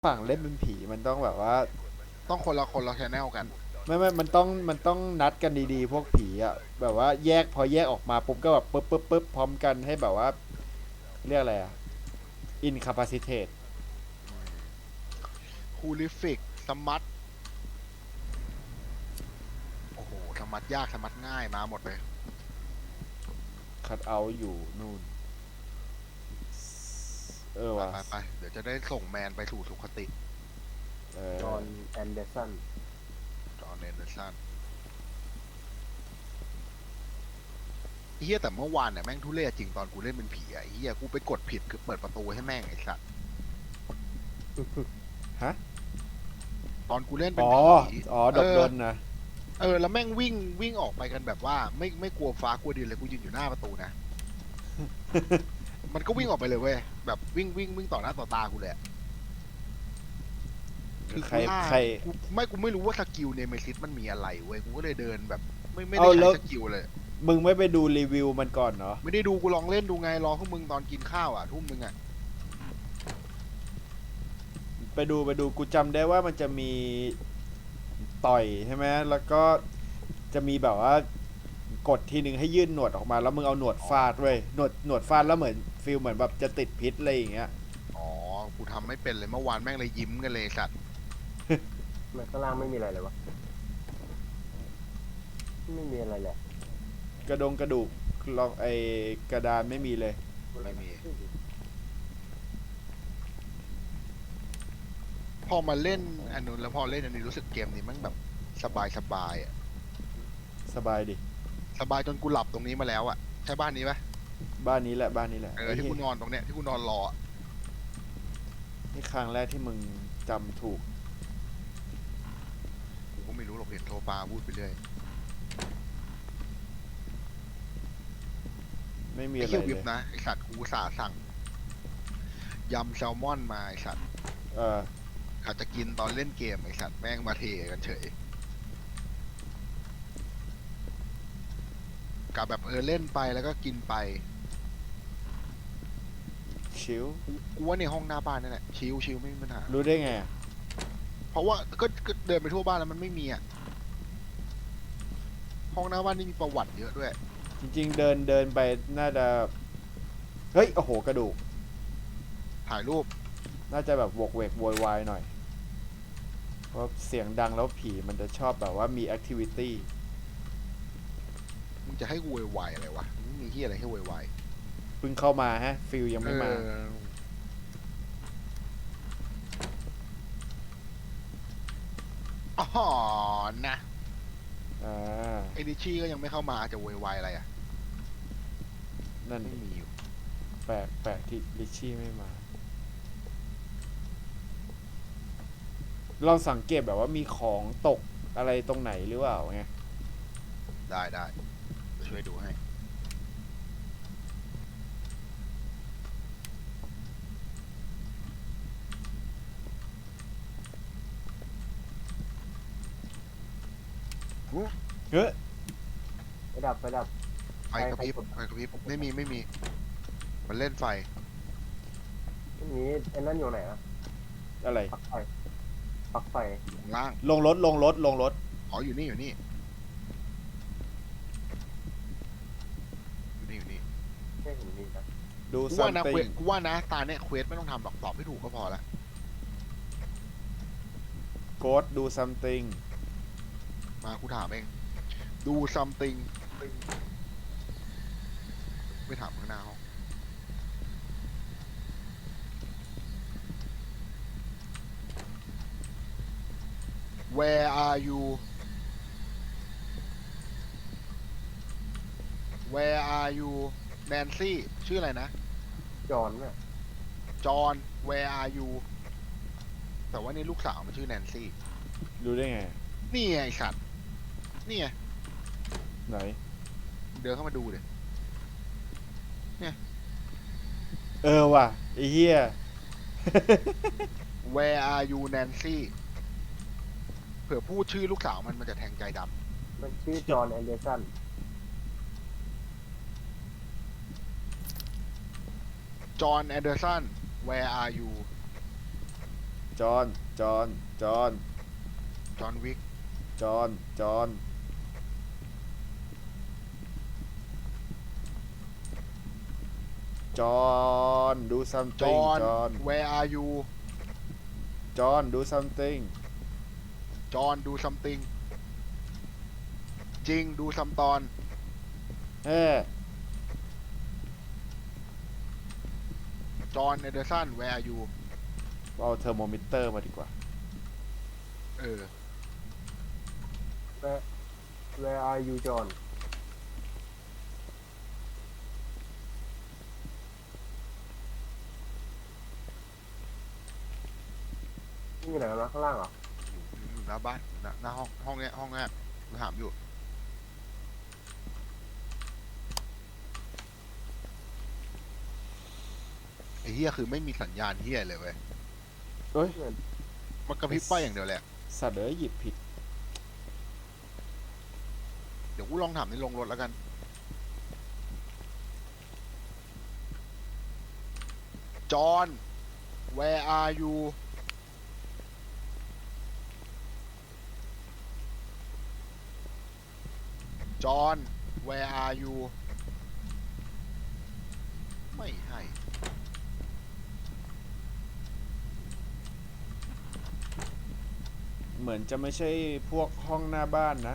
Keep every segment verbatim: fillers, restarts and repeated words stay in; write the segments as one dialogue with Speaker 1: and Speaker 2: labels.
Speaker 1: ฝั่งเล่นเป็นผีมันต้องแบบว่า
Speaker 2: ต้องคนละคนละชแนลกัน
Speaker 1: ไม่ไม่มันต้องมันต้องนัดกันดีๆพวกผีอ่ะแบบว่าแยกพอแยกออกมาปุ๊บก็แบบปึ๊บปึ๊บปึ๊บพร้อมกันให้แบบว่าเรียกอะไรอ่ะ incapacitate
Speaker 2: คูลิฟิกสมัตโอ้โหสมัตยากสมัตง่ายมาหมดเลย
Speaker 1: cut out อยู่นู่นเออว่ะ
Speaker 2: ไปไปไปเดี๋ยวจะได้ส่งแมนไปสู่สุคติ
Speaker 1: เอ
Speaker 3: จอ
Speaker 1: อ
Speaker 3: ห์นแอนเดอร์สัน
Speaker 2: จอห์นเอนเดอร์สันเฮียแต่เมื่อวานเนี่ยแม่งทุเรศจริงตอนกูเล่นเป็นผีอะเฮียกูไปกดผิดคือเปิดประตูให้แม่งไอ้สัส
Speaker 1: ฮะ
Speaker 2: ตอนกูเล่นเป็น
Speaker 1: อ๋อ
Speaker 2: ผี
Speaker 1: อ๋อด
Speaker 2: เออ
Speaker 1: บดนนะ
Speaker 2: เออแล้วแม่งวิ่งวิ่งออกไปกันแบบว่าไม่ไม่กลัวฟ้ากลัวดินเลยกูยืนอยู่หน้าประตูนะ มันก็วิ่งออกไปเลยเว้ยแบบวิ่งวิ่งวิ่งต่อหน้าต่อตากูเลยอะ
Speaker 1: คือใคร
Speaker 2: กูล่า
Speaker 1: ใคร
Speaker 2: กูไม่กูไม่รู้ว่าสกิลเนเมซิสมันมีอะไรเว้ยกูก็เลยเดินแบบไม่ไม่ได้
Speaker 1: เอาแล้
Speaker 2: ใช้
Speaker 1: ว
Speaker 2: สกิลเลย
Speaker 1: มึงไม่ไปดูรีวิวมันก่อนเนาะ
Speaker 2: ไม่ได้ดูกูลองเล่นดูไงรอพวกมึงตอนกินข้าวอ่ะทุ่มนึงอ่ะ
Speaker 1: ไปดูไปดูกูจำได้ว่ามันจะมีต่อยใช่ไหมแล้วก็จะมีแบบว่ากดทีหนึ่งให้ยื่นหนวดออกมาแล้วมึงเอาหนวดฟาดเว้ยหนวดหนวดฟาดแล้วเหมือนฟิลเหมือนแบบจะติดพิษอะไรอย่างเงี้ย
Speaker 2: อ๋อกูทำไม่เป็นเลยเมื่อวานแม่งเลยยิ้มกันเลยสัตว์
Speaker 3: มันข้างล่างไม่มีอะไรเลยวะไม่มีอะไรแหละ
Speaker 1: กระดงกระดูกลองไอกระดานไม่มีเลย
Speaker 2: ไม่มีพอมาเล่นอันนู้นแล้วพอเล่นอันนี้รู้สึกเกมนี้แมันแบบสบายสบายอ่ะ
Speaker 1: สบายดิ
Speaker 2: สบายจนกูหลับตรงนี้มาแล้วอ่ะใช่บ้านนี้ปะ
Speaker 1: บ้านนี้แหละบ้านนี้แหละ
Speaker 2: เออ
Speaker 1: ไอ้
Speaker 2: ที่
Speaker 1: เหี้ย
Speaker 2: กูนอนตรงเนี้ยที่กูนอนรออะ
Speaker 1: นี่ครั้งแรกที่มึงจำถูก
Speaker 2: กูก็ไม่รู้หรอกเห็นโทรปาพูดไปเรื่อย
Speaker 1: ไม่มี
Speaker 2: ไอ้
Speaker 1: อะไร
Speaker 2: เหี้ยวิบ
Speaker 1: เลย
Speaker 2: นะไอสัตว์กูอุตสาห์สั่งยำแซลมอนมาไอสัตว์
Speaker 1: เออ
Speaker 2: อาจจะกินตอนเล่นเกมไอสัตว์แม่งมาเทกันเฉยกับแบบเออเล่นไปแล้วก็กินไป
Speaker 1: ชิว
Speaker 2: กูว่าในห้องหน้าบ้านนั่นแหละชิวชิวไม่มีปัญหา
Speaker 1: รู้ได้ไงอะ
Speaker 2: เพราะว่าก็ก็เดินไปทั่วบ้านแล้วมันไม่มีอ่ะห้องหน้าบ้านนี่มีประวัติเยอะด้วย
Speaker 1: จริงๆเดินเดินไปน่าจะเฮ้ยโอ้โหกระดูก
Speaker 2: ถ่ายรูป
Speaker 1: น่าจะแบบวกเวกโวยวายหน่อยเพราะเสียงดังแล้วผีมันจะชอบแบบว่ามีแอคทิวิตี้
Speaker 2: มึงจะให้กูวายอะไรวะไม่มีที่อะไรให้วาย
Speaker 1: เพิ่งเข้ามาฮะฟิลยัง
Speaker 2: เอ
Speaker 1: ไม่มา
Speaker 2: ออ๋อนะ
Speaker 1: อ่า
Speaker 2: เอดิชี่ก็ยังไม่เข้ามาจะวายวายอะไรอ่ะ
Speaker 1: นั่น
Speaker 2: ไม่มีอยู่
Speaker 1: แปลกแปลกที่ลิชชี่ไม่มาลองสังเกตแบบว่ามีของตกอะไรตรงไหนหรือเปล่าไง
Speaker 2: ได้ได้ช่วยดูให้อุ๊ย
Speaker 1: เฮ้ย
Speaker 3: ไปดับไปดับ
Speaker 2: ไฟกระพริบไฟกระพริบไม่มีไม่มีมันเล่นไฟ
Speaker 3: อันนี้ไอ้นั่นอยู่ไหนอะ
Speaker 1: อะไร
Speaker 3: ปลั๊กไฟปลั๊กไฟ
Speaker 2: ข้างล่าง
Speaker 1: ลงรถลงรถลงรถ
Speaker 2: อ๋ออยู่นี่อยู่นี่อยู่นี่อยู่นี่
Speaker 3: ไม่เห็นมีนะ
Speaker 1: ดู
Speaker 2: กู
Speaker 1: ซั
Speaker 2: ว่า
Speaker 1: ม
Speaker 2: นะเคว
Speaker 1: ติ
Speaker 2: ส
Speaker 1: ง
Speaker 2: กูว่านะตาเนี่ยเควสไม่ต้องทำหรอกตอบให้ถูกก็พอละ
Speaker 1: โกดดูซัมติง
Speaker 2: มากูถามเองดู something ไม่ถามข้างหน้าห้อง where are you where are you Nancy ชื่ออะไรนะ
Speaker 3: จอห์นน่ะ
Speaker 2: John where are you แต่ว่านี่ลูกสาวมันชื่อ Nancy
Speaker 1: รู้ได้ไง
Speaker 2: นี่ไงไอ้สัตว์นี่ไง
Speaker 1: ไหน
Speaker 2: เดินเข้ามาดูเลย
Speaker 1: เออว่ะไอ้เหี้ย
Speaker 2: where are you Nancy เผื่อพูดชื่อลูกสาวมันมันจะแทงใจดำ
Speaker 3: มันชื่อจอห์นแอนเดอร์สัน
Speaker 2: John Anderson where are you
Speaker 1: จอห์นจอห์นจอห์น
Speaker 2: จอห์นวิก
Speaker 1: จอห์นจอห์นจอห์น do
Speaker 2: จ
Speaker 1: something
Speaker 2: อห์น
Speaker 1: จอห์น
Speaker 2: where are you
Speaker 1: จอห์น do something
Speaker 2: จอห์น do something จริง ดูซัมตอน
Speaker 1: เฮ้
Speaker 2: จอห์น เอเดอร์สัน where are you
Speaker 1: เอาเทอร์โมมิเตอร์มาดีกว่า
Speaker 2: เออ
Speaker 3: where where are you John นี่อยู่ไหนกันวะข้างล่างเหรอ
Speaker 2: อยู่หน้าบ้านหน้าหน้าห้องห้องเนี้ยห้องเนี้ยกูถามอยู่ ไอ้เฮียคือไม่มีสัญญาณเฮียเลยเว้ย
Speaker 1: เอ้ย
Speaker 2: มันกระพริบไฟอย่างเดียวแหละ
Speaker 1: สัตว์เอ้ยหยิบผิด
Speaker 2: เดี๋ยวกูลองถามในโรงรถแล้วกัน จอห์น where are you จอห์น where are you ไม่ให้
Speaker 1: เหมือนจะไม่ใช่พวกห้องหน้าบ้านนะ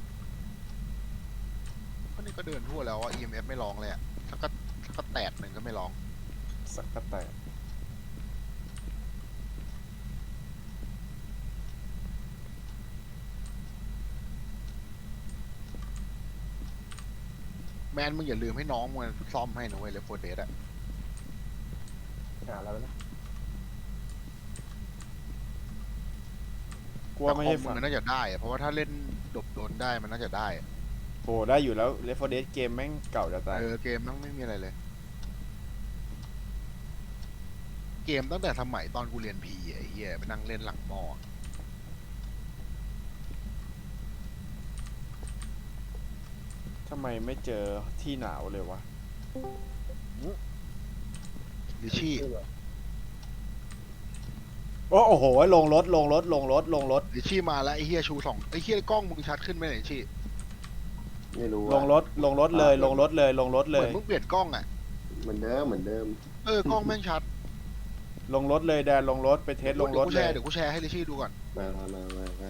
Speaker 2: ก็นี่ก็เดินทั่วแล้วอ่ะ อี เอ็ม เอฟ ไม่ร้องเลยอ่ะสักกะสักกะแตกหนึ่งก็ไม่ร้อง
Speaker 1: สักกะแตก
Speaker 2: แมนมึงอย่าลืมให้น้องมึงซ่อมให้นะเว้ยเลฟโฟเดสอ่ะ
Speaker 3: หาอะไรวะเนี่ย
Speaker 1: กลัวไม่ใช่
Speaker 2: แต่คอ
Speaker 1: ฝั่
Speaker 2: มึ
Speaker 1: ง
Speaker 2: งน่าจะได้อะเพราะว่าถ้าเล่นดบโดนได้มันน่าจะได้อะ
Speaker 1: โอ้ได้อยู่แล้ว Left โฟร์ Dead เกมแม่งเก่าจะตาย
Speaker 2: เออเกมมันไม่มีอะไรเลย เกมตั้งแต่สมัยตอนกูเรียนพีไอ้เหี้ยไปนั่งเล่นหลังมอ
Speaker 1: ทำไมไม่เจอที่หนาวเลยวะ
Speaker 2: ลิชี่
Speaker 3: ชื่ออะไร
Speaker 1: โอ้โอ้โห ลงรถ ลงรถ ลงรถ ลงรถ
Speaker 2: ลิชี่มาแล้วไอ้เหี้ยชูสองไอ้เหี้ยกล้องมึงชัดขึ้นไหมเนี่ยลิชี่
Speaker 3: ไม่รู้
Speaker 1: ลงรถ ลงรถเลย ลงรถเลย ลงรถ
Speaker 2: เห
Speaker 1: เล
Speaker 2: มือย นมึงเปลี่ยนกล้องอ่ะ
Speaker 3: เหมือนเดิมเหมือนเดิม
Speaker 2: เออกล้องแม่งชัด
Speaker 1: ลงรถเลยแดนลงรถ ไปเทสลงรถ
Speaker 2: เดี๋ยวกู
Speaker 1: เล
Speaker 2: แช
Speaker 1: ย
Speaker 2: ร์เดี๋ยวกูแชร์ให้ลิชี่ดูก่อน
Speaker 3: มามามามามา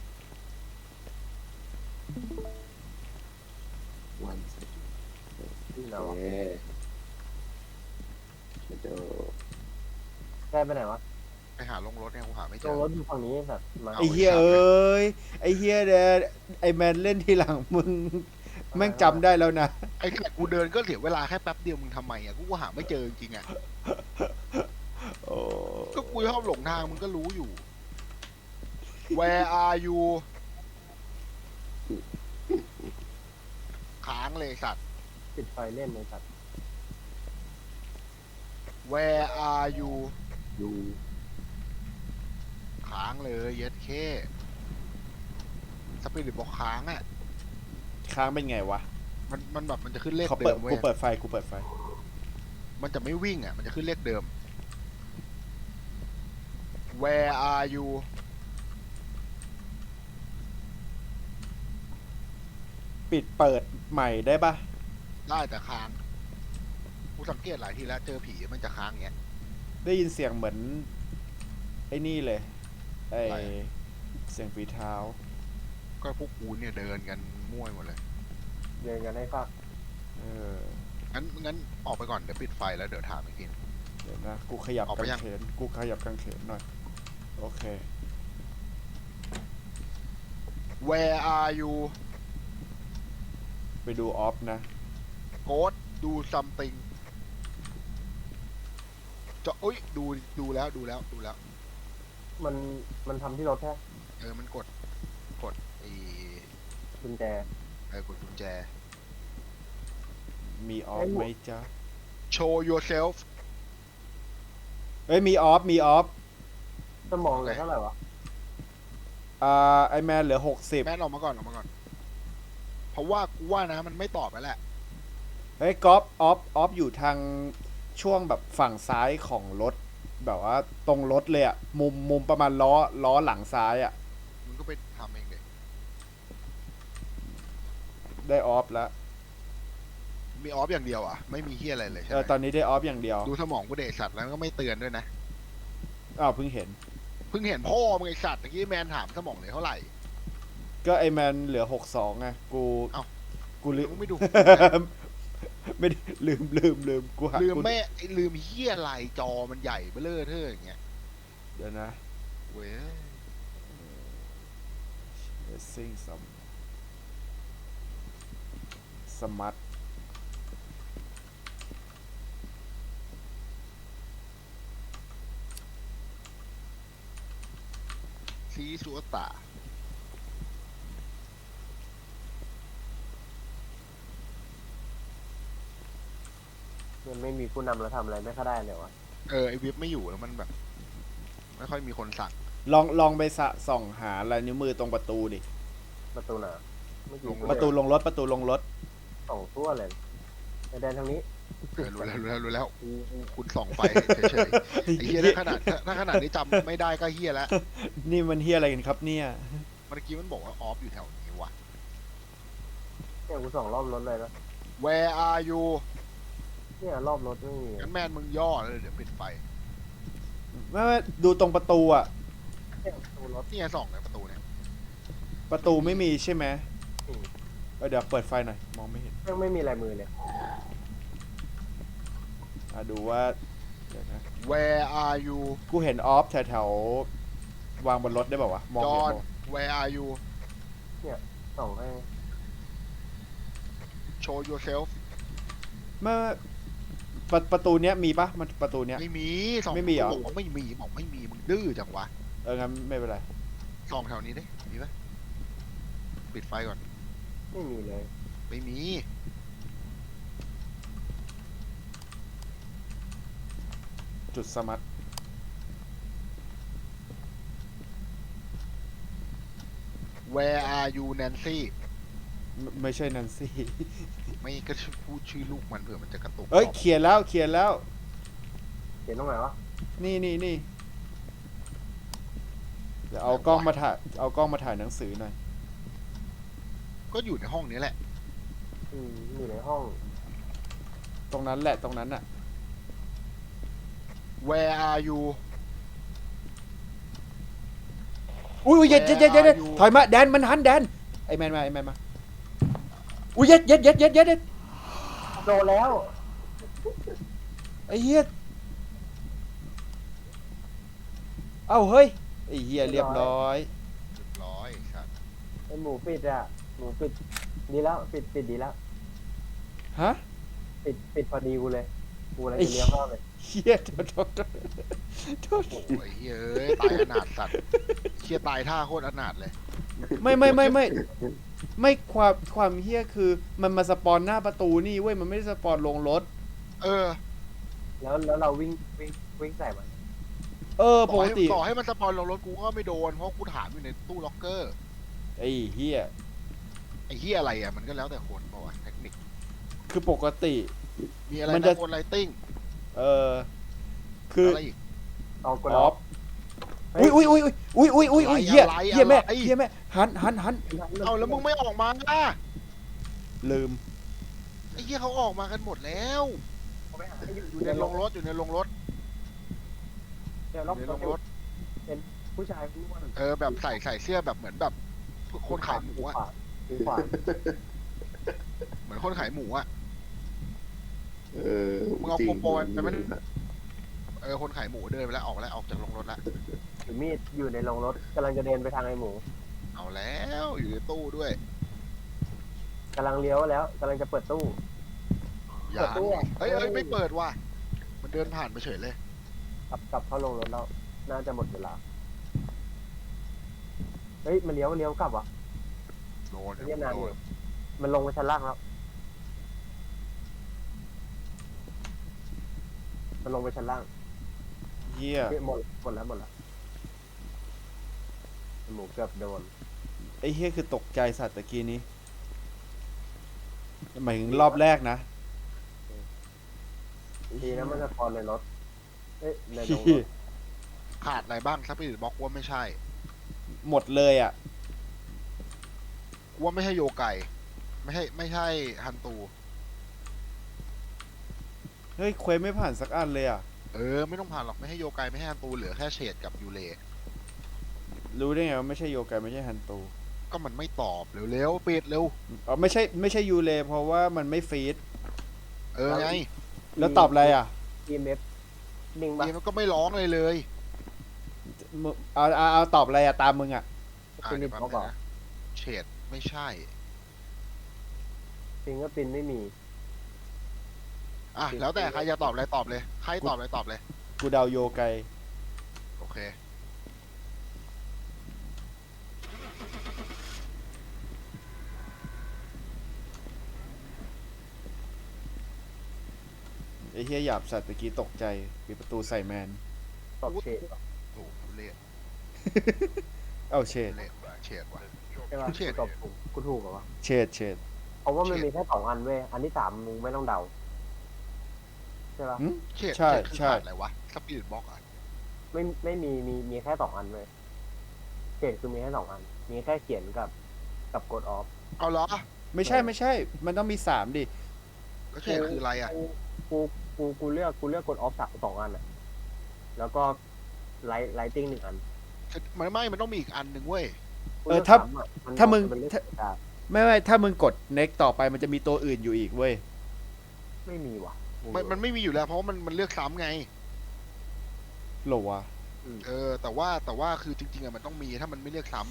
Speaker 3: วันที่เราโอเคมาดูได้ไปไหนวะ
Speaker 2: ไปหาลงรถเนี่ยกูหาไม่เจ
Speaker 3: ลง
Speaker 2: อ
Speaker 3: รถอยู่ฝั่งนี้สัตว์มา
Speaker 1: ไอ้เฮียเอ้ย ไอ้เฮียแดนไอ้แมนเล่นทีหลังมึง แม่งจำได้แล้วนะ
Speaker 2: ไอ้แค่กูเดินก็เสียเวลาแค่แป๊บเดียวมึงทำไมอ่ะกูก็หาไม่เจอจริงๆอ่ะ
Speaker 1: โอ้
Speaker 2: ก็กูชอบหลงทางมึงก็รู้อยู่ Where are you ค้างเลยสัตว์
Speaker 3: ปิดไฟเล่นเลยสัตว์
Speaker 2: Where are you
Speaker 3: ดู
Speaker 2: ค้างเลยเย็ดเคสปิริตบอกค้างอ่ะ
Speaker 1: ค้างเป็นไงวะ
Speaker 2: มันมันแบบมันจะขึ้นเลข
Speaker 1: เขา
Speaker 2: เดิ
Speaker 1: เปิด
Speaker 2: มเว้
Speaker 1: กู
Speaker 2: ย
Speaker 1: เปิดไฟ กูเปิดไฟ
Speaker 2: มันจะไม่วิ่งอ่ะ มันจะขึ้นเลขเดิม Where are you
Speaker 1: ปิดเปิดใหม่ได้ปะ
Speaker 2: ได้แต่ค้าง กูสังเกตหลายทีแล้วเจอผีมันจะค้างอย่างเงี้ย
Speaker 1: ได้ยินเสียงเหมือน ไอ้นี่เลย ไอ
Speaker 2: อะไรอะ
Speaker 1: เสียงฝีเท้า
Speaker 2: ก็พวกกูเนี่ยเดินกันมั่วหมดเลย
Speaker 3: เดินกันให้ฟัก
Speaker 1: เออ
Speaker 2: งั้นงั้นออกไปก่อนเดี๋ยวปิดไฟแล้วเดี๋ยวถามอีกที
Speaker 1: เดี๋ยวนะ กูขยับ
Speaker 2: ออกไป
Speaker 1: กาง
Speaker 2: ยัง
Speaker 1: เขน กูขยับกางเขนหน่อย โอเค
Speaker 2: Where are you
Speaker 1: ไปดูออฟนะ
Speaker 2: Go do something จะอุ้ยดูดูแล้วดูแล้วดูแล้ว
Speaker 3: มันมันทำที่รถแค่
Speaker 2: เออมันกดกดไอ้
Speaker 3: กุญแจ
Speaker 2: เออกดกุญแจ
Speaker 1: มีออฟ
Speaker 3: เอ้ย
Speaker 1: ไหมจ๊ะ
Speaker 2: show yourself
Speaker 1: เอ้ย มีออฟ มีออฟ
Speaker 3: สมองเหลือเท่าไหร่วะ
Speaker 1: อ่า ไอแมนเหลือหกสิบ
Speaker 2: แม่นออกมาก่อนออกมาก่อน เพราะว่ากูว่านะมันไม่ตอบแล้วแหละ
Speaker 1: เฮ้ยกอฟออฟ ออฟอยู่ทางช่วงแบบฝั่งซ้ายของรถแบบว่าตรงรถเลยอะมุมมุมประมาณล้อล้อหลังซ้ายอะ
Speaker 2: มึงก็ไปทำเองเด็ก
Speaker 1: ได้ออฟแล้ว
Speaker 2: มีออฟอย่างเดียวอ่ะไม่มีเฮียอะไรเลยใช่
Speaker 1: เอ
Speaker 2: ไห
Speaker 1: อ
Speaker 2: ม
Speaker 1: ตอนนี้ได้ออฟอย่างเดียว
Speaker 2: ดูสมองกูเด็กสัตว์แล้วก็ไม่เตือนด้วยนะ
Speaker 1: อ้าวเพิ่งเห็น
Speaker 2: เพิ่งเห็นพ่อมึงไอสัตว์ตะกี้แมนถามสมองเหลือเท่าไหร่
Speaker 1: ก็ไอแมนเหลือหกสองไงกู
Speaker 2: เอ้า
Speaker 1: กูลืม
Speaker 2: มึงไม่ดู
Speaker 1: ไม่ได้ลืมลืมลืมกูหา
Speaker 2: ลืม
Speaker 1: กู
Speaker 2: แม่ไอ้ลืมเฮียอะไรจอมันใหญ่เบ้อเร่อเท่ออย่างเงี้ย
Speaker 1: เดี๋ยวนะ
Speaker 2: เว้ย
Speaker 1: Racing some smart
Speaker 2: ซีสัวตา
Speaker 3: มันไม่มีผู้นำแล้วทำอะไรไม่ค่อยได้เลยวะ
Speaker 2: เออไอวิบไม่อยู่แล้วมันแบบ ไม่ค่อยมีคนสั่ง
Speaker 1: ลองลองไปสะส่องหาลายนิ้วมือตรงประตูดิ
Speaker 3: ประตูหนาไม่กี่
Speaker 1: ประตูลงรถประตูลงรถ
Speaker 3: สองทั่วเลยไอแดนทางนี้
Speaker 2: เออรู้แล้วรู้แล้วรู้แล้วกูกูคุณส่องไฟเฉยๆไอ้เฮียถ้าขนาดถ้าถ้าขนาดนี้จำไม่ได้ก็เฮียแล้ว
Speaker 1: นี่มันเฮียอะไรกันครับเนี่ย
Speaker 2: เมื่อกี้มันบอกว่าออฟอยู่แถวนี้ว่ะ
Speaker 3: เนี่ยกูสองรอบรถเลยนะ
Speaker 2: Where are you
Speaker 3: เนี่ยรอบรถไม่มี
Speaker 2: งั้นแมนมึงย่อแล้วเดี๋ยวปิดไฟ
Speaker 1: ไม่ไม่ดูตรงประตูอะ
Speaker 3: เนี่ยประตูรถ
Speaker 2: นี่ไงส่องในประตูเนี่ย
Speaker 1: ประตูไม่มีใช่ไหม
Speaker 3: อืม
Speaker 1: เออเดี๋ยวเปิดไฟหน่อยมองไม่เห็น
Speaker 3: ยังไม่มีลายมือเลย
Speaker 1: อ่ะดูว่าเดี๋ยวนะ
Speaker 2: Where are you
Speaker 1: กูเห็นออฟแถวแถวๆวางบนรถได้เปล่าวะมองเห็น
Speaker 2: John
Speaker 1: บ่
Speaker 2: Where are you
Speaker 3: ส่องให้
Speaker 2: Show yourself
Speaker 1: เมื่อประประตูเนี้ยมีปะมันประตูเนี้ย
Speaker 2: ไม่มีส่อง
Speaker 1: ไม่มีเหรอ
Speaker 2: บอกว่าไม่มีบอกไม่มีมึงดื้อจังวะ
Speaker 1: เอองั้นไม่เป็นไร
Speaker 2: ส่องแถวนี้ดิมีปะปิดไฟก่อน
Speaker 3: ไม่มีเลย
Speaker 2: ไม่มี
Speaker 1: จุดสมัต
Speaker 2: Where are you Nancy
Speaker 1: ไม่ไม่ใช่นันซี่
Speaker 2: ไม่ก็พูดชื่อลูกมันเผื่อมันจะกระตุก
Speaker 1: เอ้ย
Speaker 2: ต่อ
Speaker 1: เขียนแล้วเขียนแล้ว
Speaker 3: เขียนตรงไหนวะ
Speaker 1: นี่นี่นี่เดี๋ยวเอากล้องมาถ่ายเอากล้องมาถ่ายหนังสือหน่อย
Speaker 2: ก็อยู่ในห้องนี้แหละ
Speaker 3: อืมอยู่ในห้อง
Speaker 1: ตรงนั้นแหละตรงนั้นอะ
Speaker 2: Where are you
Speaker 1: อุ้ยอุ้ยเย็ดเย็ดเย็ดเย็ด
Speaker 2: Where are you?
Speaker 1: ถอยมาแดนมันหันแดนไอแมนมาไอแมนมาอุ้ยเย็ดเย็ดเย็ดเย็ดเย็ด
Speaker 3: โดนแล้ว
Speaker 1: ไอเฮียเอ้าเฮ้ยไอเฮียเรียบร้อย
Speaker 2: เรียบร้อยครับ
Speaker 3: ไอหมูปิดอ่ะหมูปิดดีแล้วปิดปิดดีแล้ว
Speaker 1: ฮะ
Speaker 3: ปิดปิดพอดีกูเลยกูอะไร
Speaker 1: ไอ้
Speaker 3: จะเลี้ยวเข้าเลย
Speaker 1: เฮียโทษโทษโทษโทษ
Speaker 2: โอ้ยเฮ้ยตายอนาถสัตว์เชี่ยตายท่าโคตรอนาถเลย
Speaker 1: ไม่ไม่ไม่ไม่ไม่ความความเฮียคือมันมาสปอนหน้าประตูนี่เว้ยมันไม่ได้สปอนลงรถ
Speaker 2: เออ
Speaker 3: แล้วแล้วเราวิ่งวิ่งวิ่งใส่มัน
Speaker 1: เออป
Speaker 2: ต่อก ให้
Speaker 1: ติ
Speaker 2: ต่อให้มันสปอนลงรถกูก็ไม่โดนเพราะกูถามอยู่ในตู้ล็อกเกอร์
Speaker 1: ไอเฮีย
Speaker 2: ไอ้เฮียอะไรอ่ะมันก็แล้วแต่คนเปล่าวะเทคนิค
Speaker 1: คือปกติ
Speaker 2: มีอะไร
Speaker 1: มันจะ
Speaker 2: นะคนไลติ้ง
Speaker 1: เออคือ
Speaker 2: อะไรอีก
Speaker 3: เอาก
Speaker 1: อ
Speaker 3: ด
Speaker 1: อ
Speaker 3: ออ
Speaker 1: ฟ
Speaker 3: ฟ
Speaker 1: อุ้ยอุ้ยอุ้ยอุ้ยอุ้ยอุ้ยอุ้ย
Speaker 2: อะไร
Speaker 1: เฮีย
Speaker 2: อะไร
Speaker 1: เฮียแม่
Speaker 2: อะไร
Speaker 1: เฮียแม่หันหันหันหัน
Speaker 2: เอาแล้วมึงไม่ออกมาอ่ะ
Speaker 1: ลืม
Speaker 2: ไอ้เฮียเขาออกมากันหมดแล้ว
Speaker 3: เอาไปหาให้
Speaker 2: อยู่ในโรงรถอยู่ในโรงรถ
Speaker 3: เดี๋ยว
Speaker 2: อ
Speaker 3: ล็อก
Speaker 2: ยู่ใน
Speaker 3: ร
Speaker 2: โร
Speaker 3: ถ
Speaker 2: งรถ
Speaker 3: ผู้ชายผู้อ้วน
Speaker 2: เออแบบใส่ใส่เสื้อแบบเหมือนแบบคนขายหมูอ่ะ
Speaker 3: ถือขวาน
Speaker 2: เหมือนคนขายหมูอ่ะ
Speaker 4: เออ
Speaker 2: มึงเอา
Speaker 4: จริง
Speaker 2: โปรยไปมัน เออคนขายหมูเดินไปแล้วออกแล้วออกจากโรงรถแล้ว
Speaker 3: ถือมีดอยู่ในโรงรถกำลังจะเดินไปทางไอหมู
Speaker 2: เอาแล้วอยู่ในตู้ด้วย
Speaker 3: กำลังเลี้ยวแล้วกำลังจะเปิดตู้
Speaker 2: อย่า
Speaker 3: เปิดตู้อะ
Speaker 2: เฮ้ยเฮ้ยไม่เปิดว่ะมันเดินผ่านไปเฉยเลย
Speaker 3: กลับกลับเข้าโรงรถแล้วน่าจะหมดเวลาเฮ้ยมันเลี้ยวมันเลี้ยวกลับวะ
Speaker 2: โดน
Speaker 3: เรียกนาน
Speaker 2: โด
Speaker 3: อน ยู่มันลงไปชั้นล่างแล้ว มันลงไปชั้นล่าง
Speaker 1: เฮีย
Speaker 3: เฮ้ยหมดหมดแล้วหมดแล้วหมูเกือบโดน
Speaker 1: ไอเฮียคือตกใจสัตว์ตะกี้นี้หมายถึงรอบแรกนะ
Speaker 3: ดีนะมันจะพอในรถเอ้ยในโด
Speaker 2: ขาดอะไรบ้างสปิริตบ็อกว่าไม่ใช่
Speaker 1: หมดเลยอ่ะ
Speaker 2: ว่าไม่ใช่โยไก่ไม่ใช่ไม่ใช่ฮันตู
Speaker 1: เฮ้ยเควสไม่ผ่านสักอันเลยอ่ะ
Speaker 2: เออไม่ต้องผ่านหรอกไม่ให้โยไกไม่ให้ฮันตูเหลือแค่เฉดกับยูเล
Speaker 1: รู้ได้ไงว่าไม่ใช่โยกายไม่ใช่ฮันตู
Speaker 2: ก็มันไม่ตอบเร็วๆปิดเร็ว
Speaker 1: อ๋อไม่ใช่ไม่ใช่ยูเลเพราะว่ามันไม่ฟีด
Speaker 2: เออไง
Speaker 1: แล้วตอบอะไรอ่ะ
Speaker 3: อีเมฟนิ่งปะ
Speaker 2: เกมมันก็ไม่ร้องเลยเลย
Speaker 1: มึงเอาเอาเอาตอบอะไรอ่ะตามมึงอ่ะ
Speaker 2: อ่ะ
Speaker 3: ฟิ
Speaker 2: เดี๋
Speaker 3: ลิ
Speaker 2: ย
Speaker 3: ป
Speaker 2: วแป๊บ
Speaker 3: เขา
Speaker 2: นึ
Speaker 3: บอง ก
Speaker 2: นะเฉดไม่ใช่
Speaker 3: ฟิงก็ปินไม่มี
Speaker 2: อ่ะแล้วแต่ใครจะตอบอะไรตอบเลยใครตอบอะไรตอบเลย
Speaker 1: กูเดาโยกาย
Speaker 2: โอเค
Speaker 1: ไอ้เฮียหยาบสัตว์ตะกี้ตกใจปิดประตูใส่แมน
Speaker 3: ตอบเชดปะ
Speaker 2: โอ้โหเละ
Speaker 1: เอาเฉด
Speaker 2: เละว่ะเฉดว่ะ
Speaker 3: ใช่ปะ
Speaker 2: เชด
Speaker 3: กูตอบถูกกูถูกเหรอวะ
Speaker 1: เฉดเฉด
Speaker 3: เพราะว่ามัน
Speaker 2: เชด
Speaker 3: มีแค่สองอันเว้ยอันที่สามมึงไม่ต้องเดาใช่ปะ
Speaker 1: หึ
Speaker 2: เฉด
Speaker 1: ใช่
Speaker 2: เฉดคือ
Speaker 1: ใช่
Speaker 2: ขาดอะไรวะสปิริตบ็อกอ่ะ
Speaker 3: ไม่ไม่มีมีมีแค่สองอันเว้ยเชดคือมีแค่สองอัน มีแค่เขียนกับกับกดออฟ
Speaker 2: เอาเหรอ
Speaker 1: ไม่ใช่ไม่ใช่ มันต้องมีสามดิ
Speaker 2: แล้วเฉดคืออะไรอ่ะ
Speaker 3: กูกูกูกูเลือกกูเลือกกดออฟสสองอันอะแล้วก็ไลท์ไลติ้งหนึ่งอัน
Speaker 2: มันไม่มันต้องมีอีกอันหนึ่งเว้ย
Speaker 3: กู
Speaker 1: เออ
Speaker 3: ลืก
Speaker 1: ถ้า
Speaker 3: สอะน
Speaker 1: ถ้ามึง
Speaker 3: นเลือก
Speaker 1: ถ้า
Speaker 3: ได้
Speaker 1: ไม่ไม่ถ้ามึงกด next ต่อไปมันจะมีตัวอื่นอยู่อีกเว้ย
Speaker 3: ไม่มีว่ะ
Speaker 2: มันมันไม่มีอยู่แล้วเพราะว่ามันมันเลือกซ้ำไง
Speaker 1: เหรอวะ
Speaker 3: อืม
Speaker 2: เออแต่ว่าแต่ว่าคือจริงๆอะมันต้องมีถ้ามันไม่เลือกซ้ำ